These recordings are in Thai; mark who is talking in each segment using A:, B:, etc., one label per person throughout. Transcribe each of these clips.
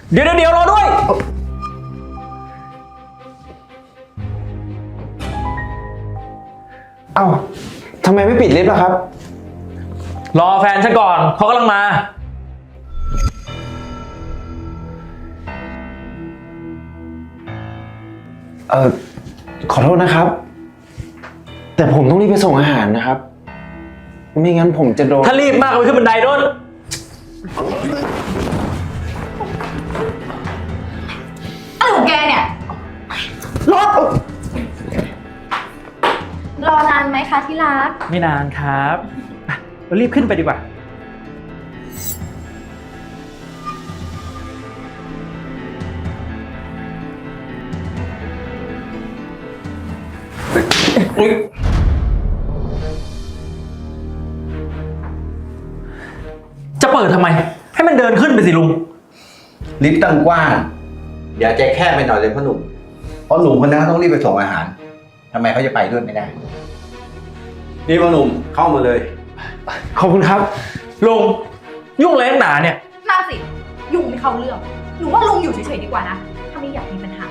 A: เดี๋ยวรอด้วย
B: เอ้าทำไมไม่ปิดลิฟต์ล่ะครับ
A: รอแฟนฉันก่อนเขากำลังมา
B: ขอโทษนะครับแต่ผมต้องรีบไปส่งอาหารนะครับไม่งั้นผมจะโดน
A: ถ้ารีบมากก็ไปขึ้นบันไดโน่น
C: อะไรของแกเนี่ยรอนานไหมคะที่รัก
A: ไม่นานครับเรารีบขึ้นไปดีกว่าจะเปิดทำไมให้มันเดินขึ้นไปสิลุง
D: ลิฟต์ตั้งกว้างอย่าใจแคบไปหน่อยเลยพ่อหนุ่มเพราะหนุ่มคนนั้นต้องรีบไปส่งอาหารทำไมเขาจะไปด้วยไม่ได้นี่พ่อหนุ่มเข้ามาเลย
B: ขอบคุณครับ
A: ลุงยุ่งอะไรนักหนาเนี่ย
C: น่าสิยุ่งไม่เข้าเรื่องหนูว่าลุงอยู่เฉยๆดีกว่านะถ้าไม่อยากมีปัญหา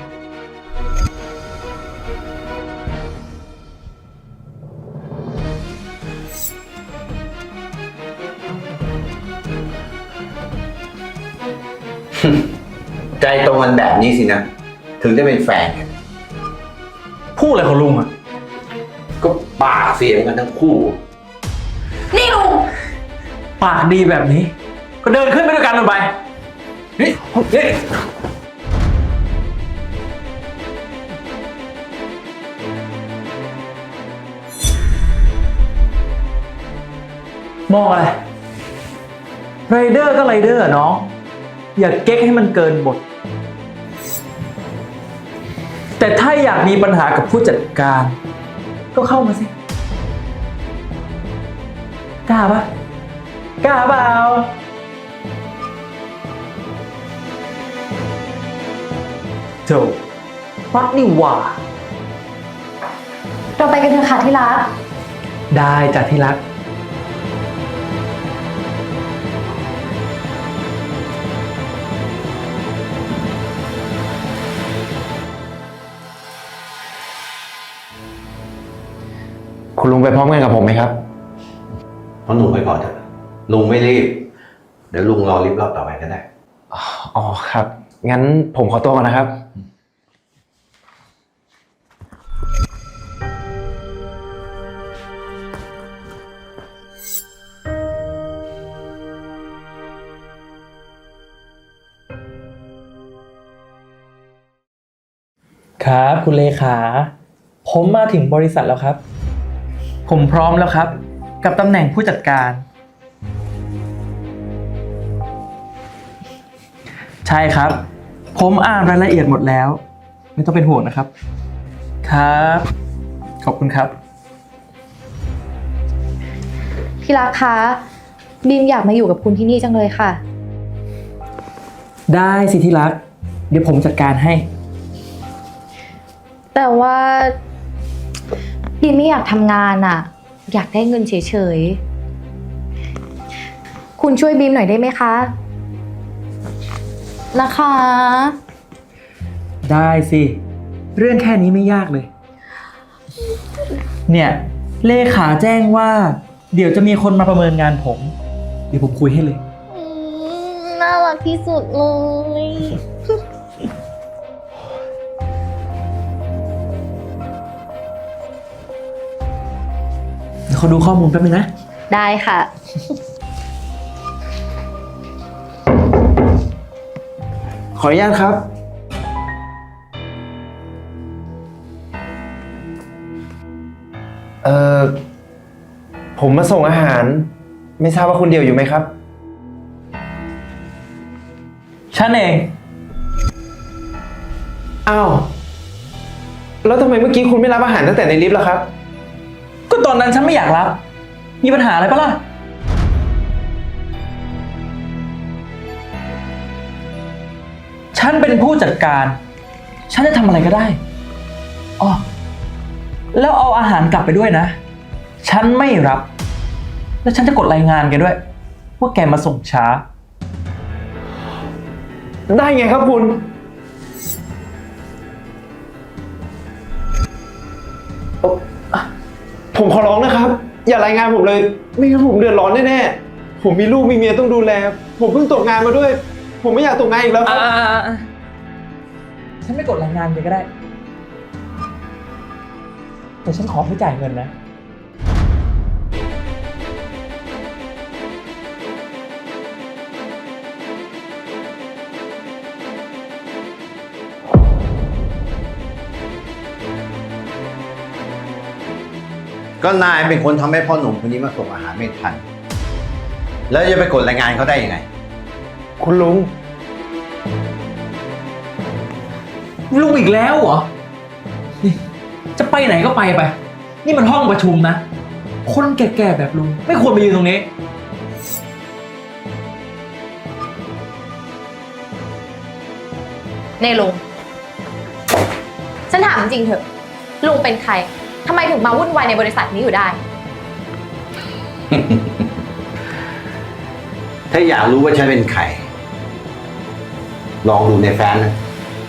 D: ใจตรงกันแบบนี้สินะถึงได้เป็นแฟนกัน
A: พูดอะไรของลุงอ่ะ
D: ก็ปากเสียงกันทั้งคู่
C: นี่ลุง
A: ปากดีแบบนี้ก็เดินขึ้นไปด้วยกันลงไปนี่มองอะไรไรเดอร์ก็ไรเดอร์น้องอย่าเก๊กให้มันเกินบทแต่ถ้าอยากมีปัญหากับผู้จัดการก็เข้ามาสิกล้าปะกล้าเปล่าโธ่ฟักนี่หว่า
C: เราไปกันเถอะค่ะที่รัก
A: ได้จ้ะที่รัก
B: คุณลุงไปพร้อมกันกับผมไหมครับ
D: พ่อหนุ่มไปก่อนเถอะลุงไม่รีบเดี๋ยวลุงรอลิฟต์รอบต่อไปก็ได้
B: อ๋อครับงั้นผมขอตัวก่อนนะครับ
A: ครับคุณเลขาผมมาถึงบริษัทแล้วครับผมพร้อมแล้วครับกับตำแหน่งผู้จัดการใช่ครับผมอ่านรายละเอียดหมดแล้วไม่ต้องเป็นห่วงนะครับครับขอบคุณครับ
C: พี่รักคะบีมอยากมาอยู่กับคุณที่นี่จังเลยค่ะ
A: ได้สิที่รักเดี๋ยวผมจัดการให้
C: แต่ว่าบีมไม่อยากทำงานอ่ะอยากได้เงินเฉยๆคุณช่วยบีมหน่อยได้ไหมคะนะคะ
A: ได้สิเรื่องแค่นี้ไม่ยากเลยเนี่ยเลขาแจ้งว่าเดี๋ยวจะมีคนมาประเมินงานผมเดี๋ยวผมคุยให้เลย
C: น่ารักที่สุดเลย
A: เดี๋ยวเขาดูข้อมูลแป๊บนึงนะ
C: ได้ค่ะ
B: ขออนุญาตครับผมมาส่งอาหารไม่ทราบว่าคุณเดียวอยู่ไหมครับ
A: ฉันเอง
B: อ้าวแล้วทำไมเมื่อกี้คุณไม่รับอาหารตั้งแต่ในลิฟต์ล่ะครับ
A: ก็ตอนนั้นฉันไม่อยากรับมีปัญหาอะไรปะล่ะฉันเป็นผู้จัดการฉันจะทำอะไรก็ได้อ๋อแล้วเอาอาหารกลับไปด้วยนะฉันไม่รับแล้วฉันจะกดรายงานแกด้วยว่าแกมาส่งช้า
B: ได้ไงครับคุณ ผมขอร้องนะครับ อย่ารายงานผมเลย ไม่งั้นผมเดือดร้อนแน่ๆ ผมมีลูกมีเมียต้องดูแล ผมเพิ่งตกงานมาด้วย ผมไม่อยากตกงานอีกแล้วครับ
A: ฉันไม่กดรายงานเลยก็ได้ แต่ฉันขอให้จ่ายเงินนะ
D: ก็นายเป็นคนทำให้พ่อหนุ่มคนนี้มาส่งอาหารไม่ทัน แล้วจะไปกดรายงานเขาได้ยังไง
B: คุณลุง
A: ลุงอีกแล้วเหรอนี่จะไปไหนก็ไป นี่มันห้องประชุมนะ คนแก่ๆแบบลุงไม่ควรมายืนตรงนี้
C: เน่ลุง ฉันถามจริงๆเถอะ ลุงเป็นใคร ทำไมถึงมาวุ่นวายในบริษัทนี้อยู่ได้
D: ถ้าอยากรู้ว่าฉันเป็นใคร ลองดูในแฟ้มนะ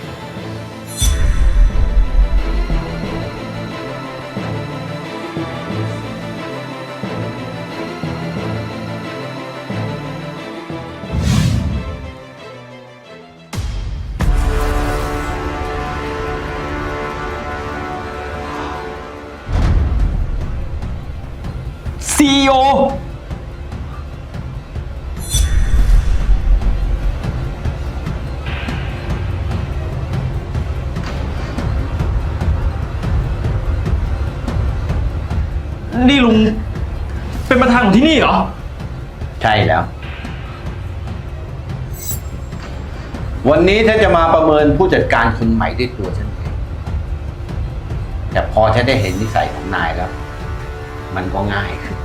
A: CEO นี่ลุงเป็นประธานของที่นี่เหรอ
D: ใช่แล้ว วันนี้ฉันจะมาประเมินผู้จัดการคนใหม่ด้วยตัวฉันเอง แต่พอฉันได้เห็นนิสัยของนายแล้ว มันก็ง่ายขึ้น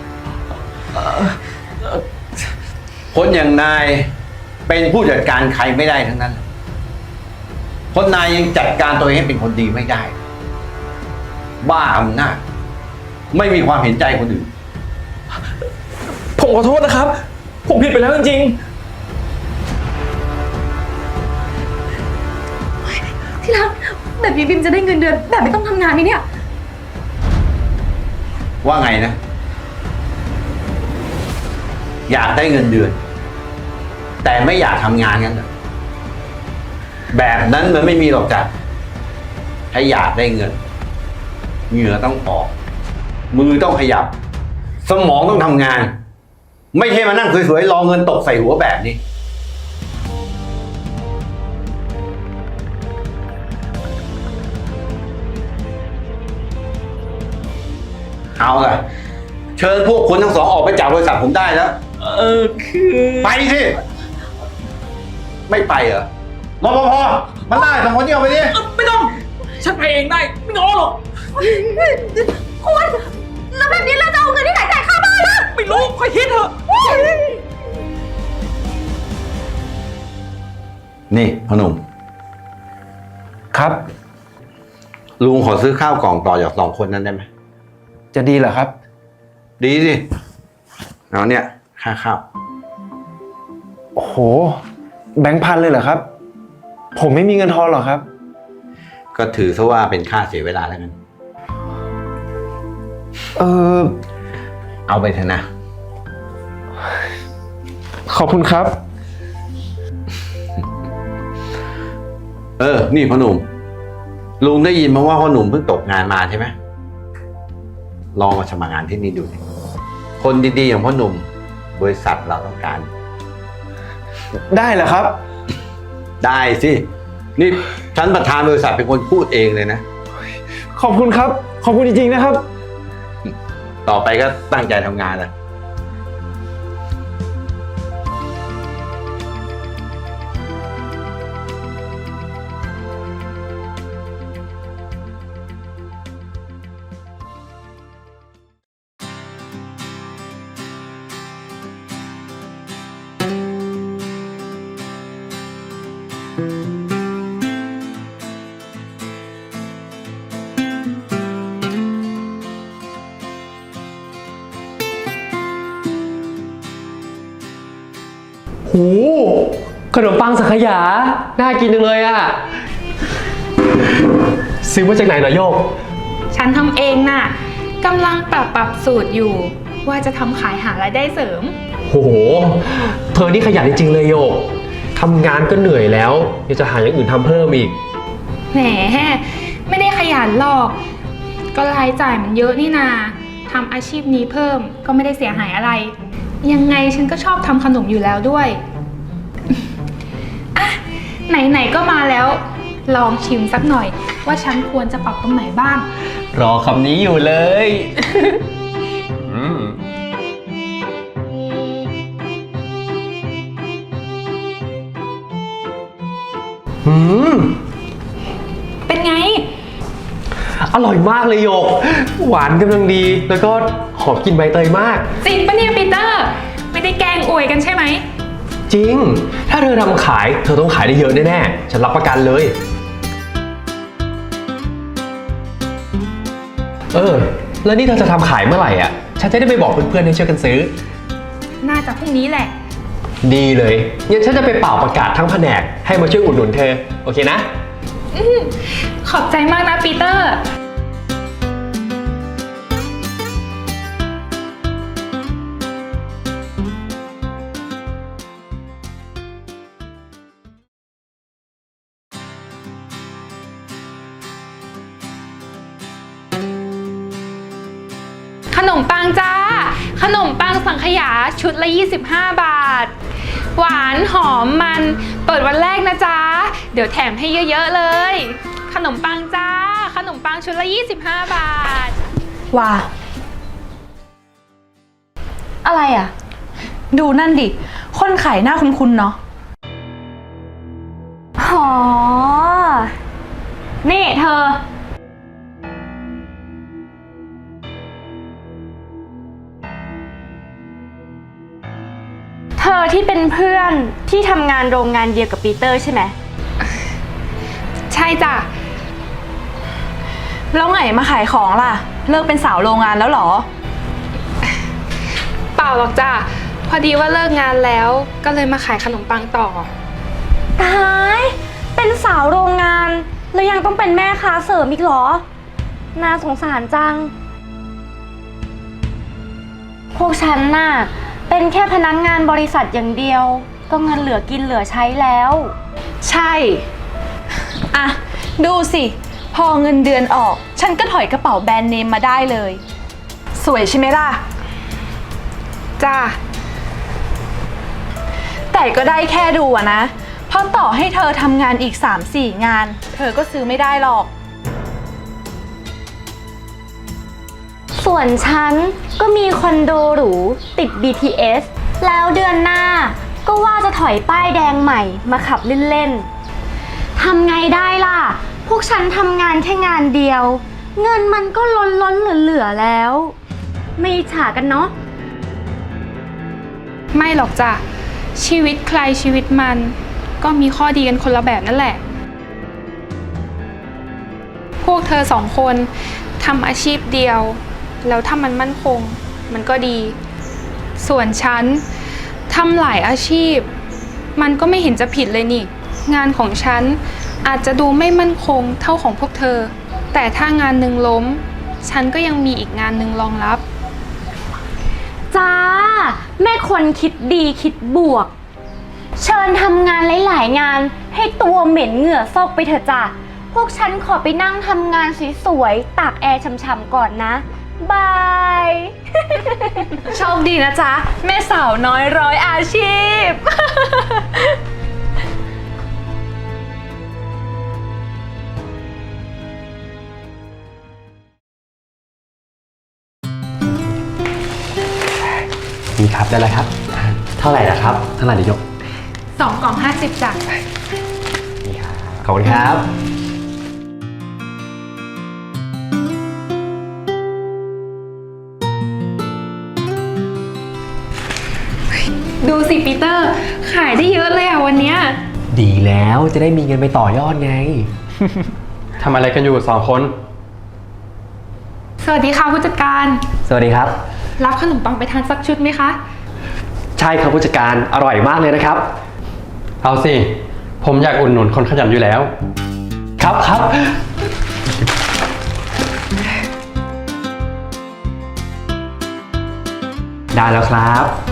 D: คนอย่างนายเป็นผู้จัดการใครไม่ได้ทั้งนั้น คนนายยังจัดการตัวเองให้เป็นคนดีไม่ได้ บ้าอำนาจไม่มีความเห็นใจคนอื่น
A: ผมขอโทษนะครับ ผมผิดไปแล้วจริง
C: ที่รักแบบนี้บิมจะได้เงินเดือนแบบไม่ต้องทำงานไหมเนี่ย
D: ว่าไงนะ อยากได้เงินเดือน แต่ไม่อยากทำงานกันเหรอแบบนั้นมันไม่มีหรอกจ้ะถ้าอยากได้เงินเหงื่อต้องออก มือต้องขยับ สมองต้องทำงาน ไม่ใช่มานั่งสวยๆรอเงินตกใส่หัวแบบนี้ เอาล่ะ เชิญพวกคุณทั้งสองออกไปจากบริษัทผมได้แล้ว
A: คือ
D: ไปสิ ไม่ไปเหรอรปภมันได้สองคนนี้เอาไปดิ
A: ไม่ต้อง ฉันไปเองได้ ไม่ง้อหรอก
C: คุณ แล้วแบบนี้เราจะเอาเงินที่ไหนจ่ายค่าบ้านล่ะ
A: ไม่รู้ค่อยคิดเถอะ
D: นี่พ่อหนุ่ม
B: ครับ
D: ลุงขอซื้อข้าวกล่องต่อจากสองคนนั้นได้ไหม
B: จะดีเหรอครับ
D: ดีสิ เอาเนี่ย ค่าข้าว
B: โอ้โห แบงค์พันเลยเหรอครับ ผมไม่มีเงินทอนหรอกครับ
D: ก็ถือซะว่าเป็นค่าเสียเวลาแล้วกัน
B: เออ
D: เอาไปเถอะนะ
B: ขอบคุณครับ
D: นี่พ่อหนุ่ม ลุงได้ยินมาว่าพ่อหนุ่มเพิ่งตกงานมาใช่ไหมลองมาสมัครงานที่นี่ดูสิคนดีๆอย่างพ่อหนุ่ม บริษัทเราต้องการ
B: ได้เหรอครับ
D: ได้สิ นี่ฉันประธานบริษัทเป็นคนพูดเองเลยนะ
B: ขอบคุณครับ ขอบคุณจริงๆนะครับ
D: ต่อไปก็ตั้งใจทำงานนะ
E: ขนมปังสังขยา น่ากินจังเลยอะซื้อมาจากไหนเหรอโยก
F: ฉันทำเองน่ะกำลังปรับสูตรอยู่ ว่าจะทำขายหารายได้เสริม
E: โห เธอนี่ขยันจริงๆเลยโยก ทำงานก็เหนื่อยแล้วยังจะหาอย่างอื่นทำเพิ่มอีก
F: แหมไม่ได้ขยันหรอก ก็รายจ่ายมันเยอะนี่นาทำอาชีพนี้เพิ่มก็ไม่ได้เสียหายอะไร ยังไงฉันก็ชอบทำขนมอยู่แล้วด้วย อ่ะไหนๆก็มาแล้ว ลองชิมสักหน่อย ว่าฉันควรจะปรับตรงไหนบ้าง
E: รอคำนี้อยู่เลย
F: เป็นไง
E: อร่อยมากเลยโยก หวานกำลังดี แล้วก็หอมกลิ่นใบเตยมาก
F: จริงปะเนี่ยปีเตอร์ ไม่ได้แกล้งอวยกันใช่ไหม
E: จริง ถ้าเธอทำขาย เธอต้องขายได้เยอะแน่ๆ ฉันรับประกันเลย แล้วนี่เธอจะทำขายเมื่อไหร่อ่ะ ฉันจะได้ไปบอกเพื่อนๆให้ช่วยกันซื้อ
F: น่าจะพรุ่งนี้แหละ
E: ดีเลย งั้นฉันจะไปเป่าประกาศทั้งแผนกให้มาช่วยอุดหนุนเธอ โอเคนะ
F: ขอบใจมากนะปีเตอร์ ขนมปังจ้า ขนมปังสังขยาชุดละ 25 บาท หวานหอมมันเปิดวันแรกนะจ๊ะ เดี๋ยวแถมให้เยอะๆเลย ขนมปังจ้า ขนมปังชุดละ 25 บาท
C: ว่า อะไรอ่ะ
G: ดูนั่นดิ คนขายหน้าคุ้นๆเนาะ
C: อ๋อ นี่เธอ เธอที่เป็นเพื่อนที่ทำงานโรงงานเดียวกับปีเตอร์ใช่ไหม
F: ใช่จ้ะ
G: แล้วไงมาขายของล่ะ เลิกเป็นสาวโรงงานแล้วเหรอ
F: เปล่าหรอกจ้ะ พอดีว่าเลิกงานแล้วก็เลยมาขายขนมปังต่อ
C: ตาย เป็นสาวโรงงาน แล้วยังต้องเป็นแม่ค้าเสริมอีกเหรอ น่าสงสารจัง พวกฉันน่ะ เป็นแค่พนักงานบริษัทอย่างเดียว ก็เงินเหลือกินเหลือใช้แล้ว
G: ใช่ อ่ะ ดูสิ พอเงินเดือนออก ฉันก็ถอยกระเป๋าแบรนด์เนมมาได้เลย สวยใช่ไหมล่ะ
F: จ้า
G: แต่ก็ได้แค่ดูอะนะ เพราะต่อให้เธอทำงานอีก 3-4 งาน เธอก็ซื้อไม่ได้หรอก
C: ส่วนฉันก็มีคอนโดหรูติด BTS แล้วเดือนหน้าก็ว่าจะถอยป้ายแดงใหม่มาขับเล่นๆ ทำไงได้ล่ะ พวกฉันทำงานแค่งานเดียว เงินมันก็ล้นๆเหลือๆแล้ว ไม่อิจฉากันเนาะ
F: ไม่หรอกจ้ะ ชีวิตใครชีวิตมันก็มีข้อดีกันคนละแบบนั่นแหละ พวกเธอสองคนทำอาชีพเดียว แล้วถ้ามันมั่นคงมันก็ดี ส่วนฉันทำหลายอาชีพ มันก็ไม่เห็นจะผิดเลยนี่ งานของฉันอาจจะดูไม่มั่นคงเท่าของพวกเธอ แต่ถ้างานหนึ่งล้ม ฉันก็ยังมีอีกงานหนึ่งรองรับ
C: จ้า แม่คนคิดดีคิดบวก เชิญทำงานหลายๆงานให้ตัวเหม็นเหงื่อซอกไปเถอะจ้ะ พวกฉันขอไปนั่งทำงานสวยๆตากแอร์ช่ำๆก่อนนะ บาย
G: โชคดีนะจ๊ะ แม่สาวน้อยร้อยอาชีพ
E: นี่ครับได้แล้วครับ เท่าไหร่นะครับ เท่าไหร่เดี๋ยวยก
F: 2 กล่อง 50จ้ะ
E: นี่ครับ ขอบคุณครับ
F: ดูสิปีเตอร์ ขายได้เยอะเลยอ่ะวันเนี้ย
E: ดีแล้วจะได้มีเงินไปต่อยอดไง
B: ทำอะไรกันอยู่สองคน
F: สวัสดีค่ะผู้จัดการ
E: สวัสดีครับ
F: รับขนมปังไปทานสักชุดไหมคะ
E: ใช่ครับผู้จัดการ อร่อยมากเลยนะครับ
H: เอาสิ ผมอยากอุดหนุนคนขยันอยู่แล้ว
E: ครับครับ ได้แล้วครับ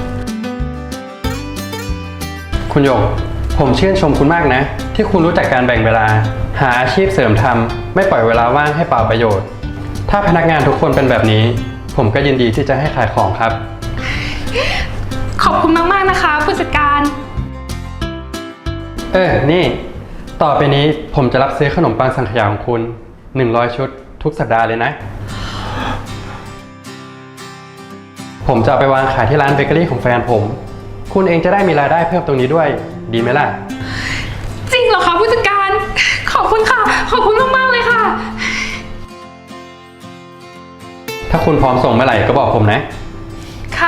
H: คุณหยก ผมชื่นชมคุณมากนะ ที่คุณรู้จักการแบ่งเวลา หาอาชีพเสริมทำไม่ปล่อยเวลาว่างให้เปล่าประโยชน์ ถ้าพนักงานทุกคนเป็นแบบนี้ ผมก็ยินดีที่จะให้ขายของครับ
F: ขอบคุณมากๆนะคะผู้จัดการ
H: นี่ ต่อไปนี้ผมจะรับซื้อขนมปังสังขยาของคุณ100 ชุดทุกสัปดาห์เลยนะ ผมจะเอาไปวางขายที่ร้านเบเกอรี่ของแฟนผม คุณเองจะได้มีรายได้เพิ่มตรงนี้ด้วย ดีไหมล่ะ
F: จริงเหรอคะผู้จัดการ ขอบคุณค่ะ ขอบคุณมากๆเลยค่ะ
H: ถ้าคุณพร้อมส่งเมื่อไหร่ก็บอกผมนะ
F: ค่ะ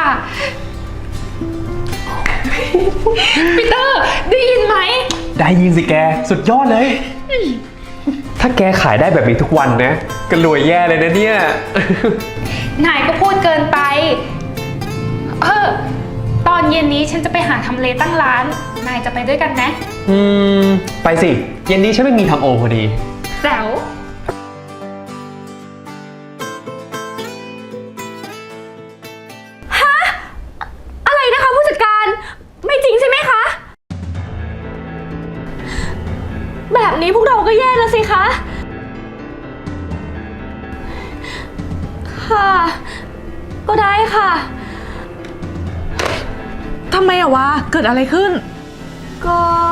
F: ปีเตอร์ได้ยินไหม
E: ได้ยินสิแก สุดยอดเลย ถ้าแกขายได้แบบนี้ทุกวันนะก็รวยแย่เลยนะเนี่ย
F: นายก็พูดเกินไป ตอนเย็นนี้ฉันจะไปหาทำเลตั้งร้าน นายจะไปด้วยกันไหม
E: ไปสิ เย็นนี้ฉันไม่มีทำโอพอดี
F: แจ๋ว
C: อะไรนะคะผู้จัดการ ไม่จริงใช่ไหมคะ แบบนี้พวกเราก็แย่แล้วสิคะ ค่ะ ก็ได้ค่ะ
G: ทำไมอะวะ เกิดอะไรขึ้น
C: ก็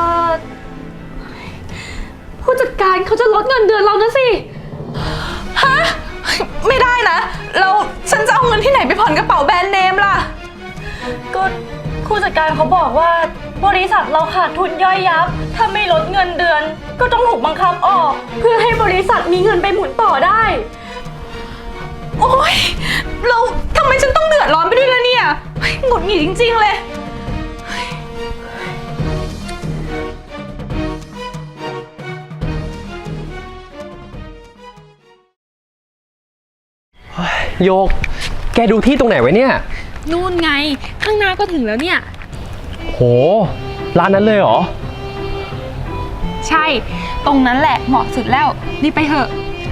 C: ผู้จัดการเขาจะลดเงินเดือนเรานะสิ
G: ฮะ ไม่ได้นะ แล้วฉันจะเอาเงินที่ไหนไปผ่อนกระเป๋าแบรนด์เนมล่ะ
C: ก็ผู้จัดการเขาบอกว่าบริษัทเราขาดทุนย่อยยับ ถ้าไม่ลดเงินเดือน ก็ต้องถูกบังคับออก เพื่อให้บริษัทมีเงินไปหมุนต่อได้
G: โอ๊ยเราทำไมฉันต้องเดือดร้อนไปด้วยล่ะเนี่ยเฮ้ยหงุดหงิดจริงๆเลย
E: โยก แกดูที่ตรงไหนไว้เนี่ย
F: นู่นไง ข้างหน้าก็ถึงแล้วเนี่ย
E: โห ร้านนั้นเลยเหรอ
F: ใช่ ตรงนั้นแหละเหมาะสุดแล้ว รีบไปเถอะ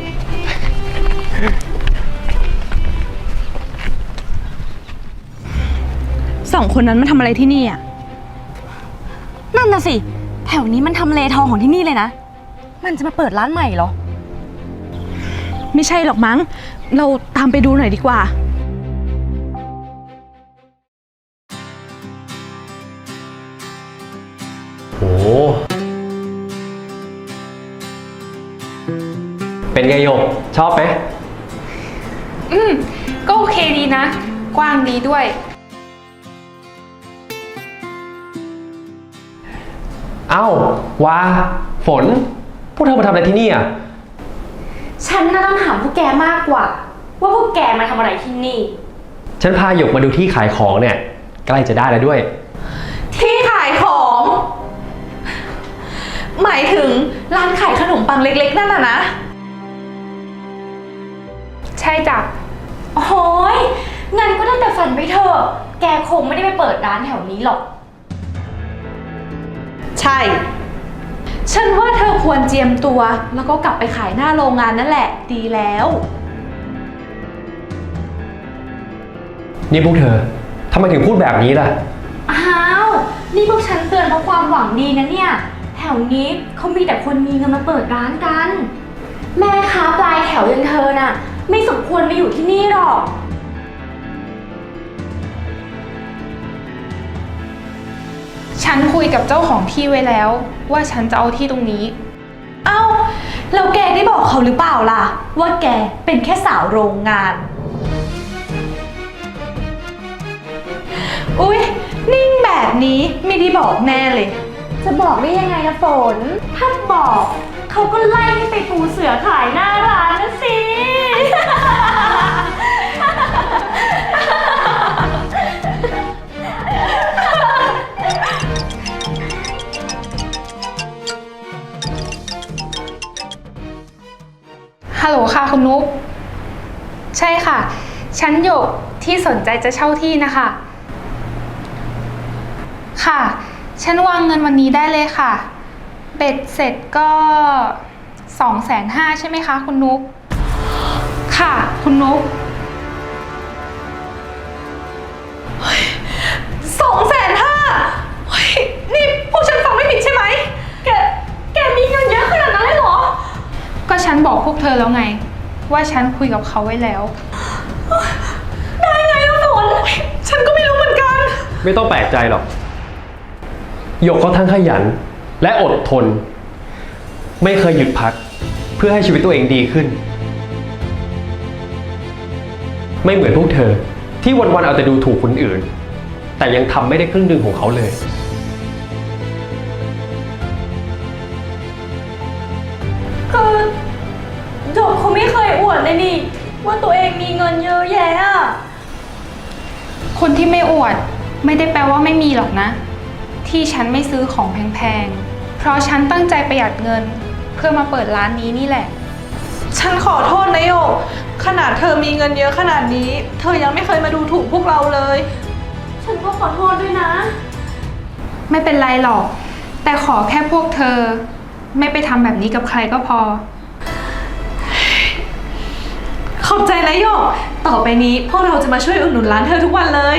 G: สองคนนั้นมาทำอะไรที่นี่อะ
C: นั่นน่ะสิ แถวนี้มันทำเลทองของที่นี่เลยนะ มันจะมาเปิดร้านใหม่เหรอ
G: ไม่ใช่หรอกมั้ง เราตามไปดูหน่อยดีกว่า
E: โห เป็นไงโยก ชอบไหม
F: ก็โอเคดีนะ กว้างดีด้วย
E: เอ้า ว้า ฝน พวกเธอมาทำอะไรที่นี่อ่ะ
C: ฉันน่าต้องถามพวกแกมากกว่า ว่าพวกแกมาทำอะไรที่นี่
E: ฉันพาหยกมาดูที่ขายของเนี่ย ใกล้จะได้แล้วด้วย
G: ที่ขายของ หมายถึงร้านขายขนมปังเล็กๆนั่นน่ะนะ
F: ใช่จ้ะ
C: โอ้ยงั้นก็ได้แต่ฝันไปเถอะ แกคงไม่ได้ไปเปิดร้านแถวนี้หรอก
G: ใช่ ฉันว่าเธอควรเจียมตัว แล้วก็กลับไปขายหน้าโรงงานนั่นแหละ ดีแล้ว
E: นี่พวกเธอ ทำไมถึงพูดแบบนี้ล่ะ
C: อ้าว นี่พวกฉันเตือนเพราะความหวังดีนะเนี่ย แถวนี้เขามีแต่คนมีเงินมาเปิดร้านกัน แม่ค้าปลายแถวอย่างเธอน่ะ ไม่สมควรมาอยู่ที่นี่หรอก
F: ฉันคุยกับเจ้าของที่ไว้แล้ว ว่าฉันจะเอาที่ตรงนี้
G: เอ้า แล้วแกได้บอกเขาหรือเปล่าล่ะ ว่าแกเป็นแค่สาวโรงงาน อุ๊ย นิ่งแบบนี้ไม่ได้บอกแน่เลย
C: จะบอกได้ยังไงนะฝน ถ้าบอกเขาก็ไล่ให้ไปปูเสือขายหน้าร้านนะสิ
F: ฮัลโหลค่ะคุณนุ๊ก ใช่ค่ะ ฉันหยกที่สนใจจะเช่าที่นะคะ ค่ะฉันวางเงินวันนี้ได้เลยค่ะ เบ็ดเสร็จก็250,000ใช่ไหมคะคุณนุ๊กค่ะคุณนุ๊ก
G: 250,000เฮ้ยนี่พวกฉันฟังไม่ผิดใช่ไหม แกมีเงินเยอะขนาดนั้นเลยเหรอ
F: ก็ฉันบอกพวกเธอแล้วไง ว่าฉันคุยกับเขาไว้แล้ว
G: ได้ไงล่ะฝนฉันก็ไม่รู้เหมือนกัน
E: ไม่ต้องแปลกใจหรอกหยกเขาทั้งขยันและอดทน ไม่เคยหยุดพักเพื่อให้ชีวิตตัวเองดีขึ้น ไม่เหมือนพวกเธอที่วันๆเอาแต่ดูถูกคนอื่น แต่ยังทำไม่ได้ครึ่งหนึ่งของเขาเลย
C: คือโจบเขาไม่เคยอวดเลยนี่ ว่าตัวเองมีเงินเยอะแยะอะ
F: คนที่ไม่อวดไม่ได้แปลว่าไม่มีหรอกนะ ที่ฉันไม่ซื้อของแพงๆ เพราะฉันตั้งใจประหยัดเงินเพื่อมาเปิดร้านนี้นี่แหละ
G: ฉันขอโทษนะโยก ขนาดเธอมีเงินเยอะขนาดนี้ เธอยังไม่เคยมาดูถูกพวกเราเลย
C: ฉันก็ขอโทษด้วยนะ
F: ไม่เป็นไรหรอก แต่ขอแค่พวกเธอ ไม่ไปทำแบบนี้กับใครก็พอ
G: ขอบใจนะโยก ต่อไปนี้พวกเราจะมาช่วยอุดหนุนร้านเธอทุกวันเลย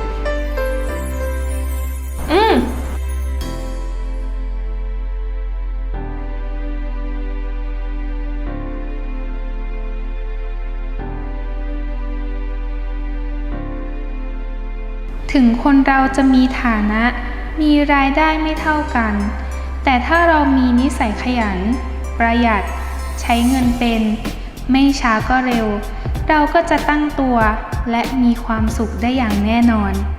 F: ถึงคนเราจะมีฐานะ มีรายได้ไม่เท่ากัน แต่ถ้าเรามีนิสัยขยัน ประหยัด ใช้เงินเป็น ไม่ช้าก็เร็ว เราก็จะตั้งตัวและมีความสุขได้อย่างแน่นอน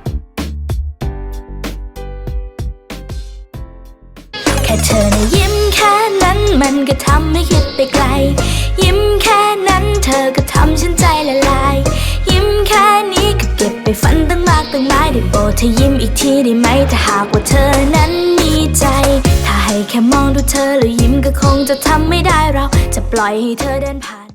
I: แค่เธอนะยิ้มแค่นั้นมันก็ทำให้คิดไปไกล ยิ้มแค่นั้นเธอก็ทำฉันใจละลาย ยิ้มแค่นี้ก็เก็บไปฝันตั้งมากตั้งหลายได้โปรดเธอยิ้มอีกทีได้ไหมถ้าหากว่าเธอนั้นมีใจ ถ้าให้แค่มองดูเธอแล้วยิ้มก็คงจะทำไม่ได้เราจะปล่อยให้เธอเดินผ่าน